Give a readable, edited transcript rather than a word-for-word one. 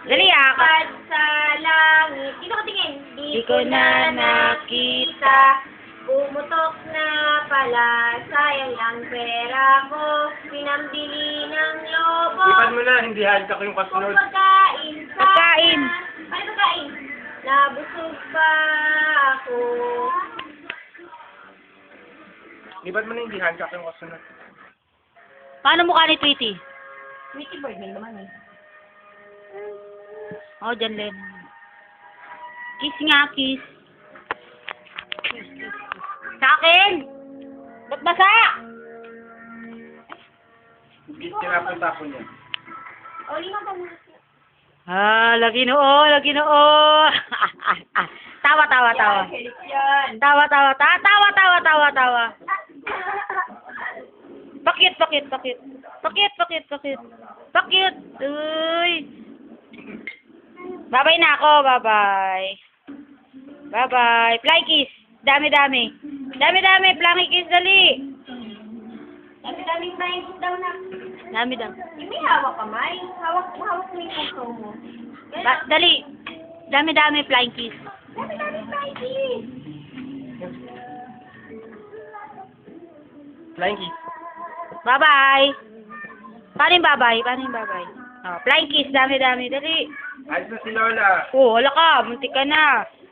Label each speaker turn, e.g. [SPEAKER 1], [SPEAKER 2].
[SPEAKER 1] Dali ah.
[SPEAKER 2] At sa langit. Dito ka tingin.
[SPEAKER 1] Di ko na nakita.
[SPEAKER 2] Pumutok na pala. Sayang lang pera ko. Pinambili ng lobo.
[SPEAKER 3] Ipad mo na, hindi halka ko yung
[SPEAKER 2] Kung
[SPEAKER 3] kasunod.
[SPEAKER 2] pagkain sa...
[SPEAKER 1] Pagkain.
[SPEAKER 2] Ano pagkain? Nabusog pa ako.
[SPEAKER 3] Ipad mo na, hindi halka ko yung kasunod.
[SPEAKER 1] Paano mukha ni Tweety?
[SPEAKER 2] Sweetie bird may naman eh.
[SPEAKER 1] Oh, dyan Len. Kiss nga, kiss. Sa akin! Ba't basa?
[SPEAKER 3] Tinapunta ko niya.
[SPEAKER 2] O, lima pa muna siya.
[SPEAKER 1] Lagi noo, lagi noo. Tawa, tawa, tawa.
[SPEAKER 2] Helik yan.
[SPEAKER 1] Tawa, tawa, tawa, tawa, tawa, tawa. Pakit, pakit, pakit. Pakit, pakit, pakit. Pakit. Uy. Bye-bye na ako, bye-bye. Bye-bye. Fly kiss. Dami-dami. Dami-dami, fly kiss, dali.
[SPEAKER 2] Dami-daming tayong daw na.
[SPEAKER 1] Dami-dami.
[SPEAKER 2] Yung may hawak kamay. Hawak mo yung puso mo.
[SPEAKER 1] Dali. Dami-dami, flying kiss.
[SPEAKER 2] Dami-daming tayong.
[SPEAKER 3] Flying kiss.
[SPEAKER 1] Bye-bye. Paano yung bye-bye? Paano yung bye-bye? Oh, flying kiss, dami-dami, dali.
[SPEAKER 3] Ayos na si Lola.
[SPEAKER 1] Oh, wala ka, muntik ka na.